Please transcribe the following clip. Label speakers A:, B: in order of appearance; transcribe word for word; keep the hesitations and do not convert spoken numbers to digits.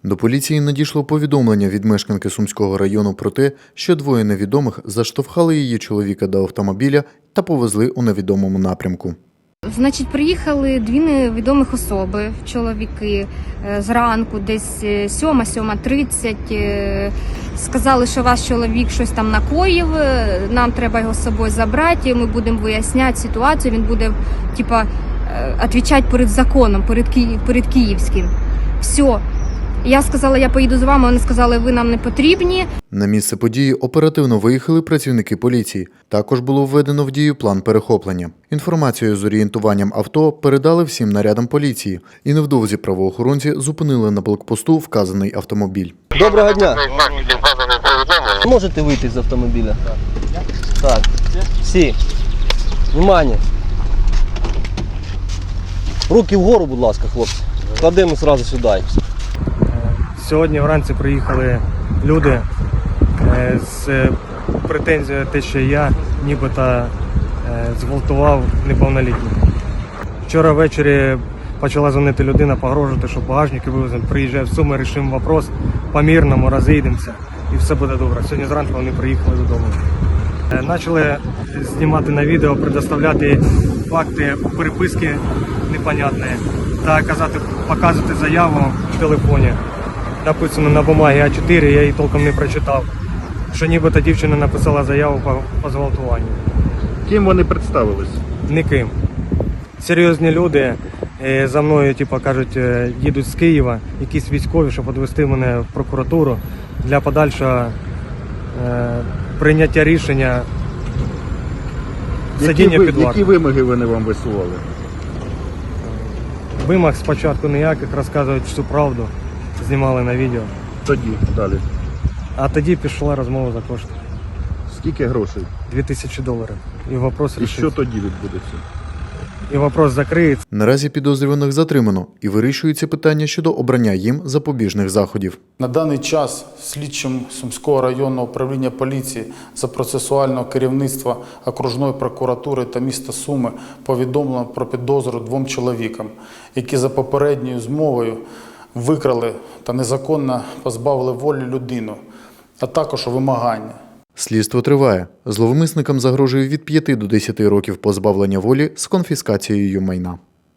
A: До поліції надійшло повідомлення від мешканки Сумського району про те, що двоє невідомих заштовхали її чоловіка до автомобіля та повезли у невідомому напрямку.
B: Значить, приїхали дві невідомих особи, чоловіки, зранку, десь сьома-сьома тридцять. Сказали, що ваш чоловік щось там накоїв, нам треба його з собою забрати, ми будемо виясняти ситуацію, він буде, типа, відповідати перед законом, перед, Ки... перед київським. Все. Я сказала, я поїду з вами, вони сказали, ви нам не потрібні.
A: На місце події оперативно виїхали працівники поліції. Також було введено в дію план перехоплення. Інформацію з орієнтуванням авто передали всім нарядам поліції. І невдовзі правоохоронці зупинили на блокпосту вказаний автомобіль.
C: Доброго дня. Можете вийти з автомобіля? Так. Всі. Внимание. Руки вгору, будь ласка, хлопці. Кладемо одразу сюди.
D: Сьогодні вранці приїхали люди з претензією, те, що я нібито зґвалтував неповнолітніх. Вчора ввечері почала дзвонити людина, погрожувати, що багажники вивеземо. Приїжджає в Суми, рішимо вопрос, по-мирному розійдемося і все буде добре. Сьогодні зранку вони приїхали додому. Почали знімати на відео, предоставляти факти переписки непонятні та казати, показувати заяву в телефоні. Написано на бумагі а чотири, я її толком не прочитав, що нібито дівчина написала заяву по, по зґвалтуванню.
E: Ким вони представились?
D: Ніким. Серйозні люди за мною, типу, кажуть, їдуть з Києва, якісь військові, щоб відвести мене в прокуратуру для подальшого е, прийняття рішення сидіння під вартою.
E: Які вимоги вони вам висували?
D: Вимог спочатку ніяких, розказують всю правду, знімали на відео.
E: Тоді, далі.
D: А тоді пішла розмова за кошти.
E: Скільки грошей?
D: Дві тисячі доларів. І вопрос
E: І
D: рішиться.
E: що тоді відбудеться?
D: І вопрос закриється.
A: Наразі підозрюваних затримано і вирішується питання щодо обрання їм запобіжних заходів.
F: На даний час слідчим Сумського районного управління поліції за процесуального керівництва окружної прокуратури та міста Суми повідомлено про підозру двом чоловікам, які за попередньою змовою викрали та незаконно позбавили волі людину, а також вимагання.
A: Слідство триває. Зловмисникам загрожує від п'яти до десяти років позбавлення волі з конфіскацією майна.